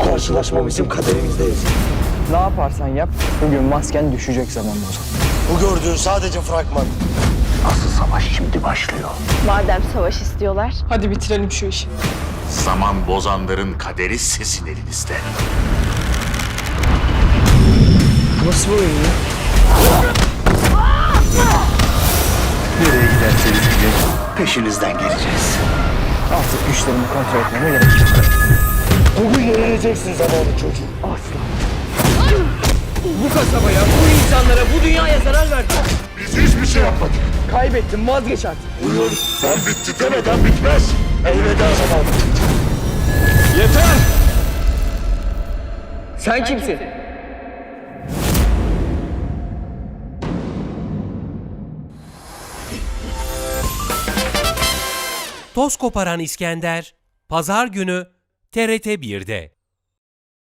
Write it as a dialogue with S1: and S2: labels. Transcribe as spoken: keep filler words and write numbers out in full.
S1: karşılaşma bizim kaderimizde yazıyor.
S2: Ne yaparsan yap, bugün masken düşecek zamanla o zaman.
S1: Bu gördüğün sadece fragman. Asıl savaş şimdi başlıyor.
S3: Madem savaş istiyorlar.
S4: Hadi bitirelim şu işi.
S5: Zaman bozanların kaderi sizin elinizde.
S2: Nasıl oyun ya?
S1: Nereye giderseniz gidin, peşinizden geleceğiz.
S2: Artık güçlerimi kontrol etmeme gerek yok.
S1: Bugün yenileceksin zamanı çocuğu.
S2: Asla.
S6: Bu kasabaya, bu insanlara, bu dünyaya zarar verdin.
S5: Biz hiçbir şey yapmadık.
S6: Kaybettin, vazgeç artık.
S5: Buyur, ben bitti demeden bitmez.
S1: Elveda zaman.
S6: Yeter! Sen kimsin?
S7: Toz koparan İskender, Pazar günü T R T bir'de.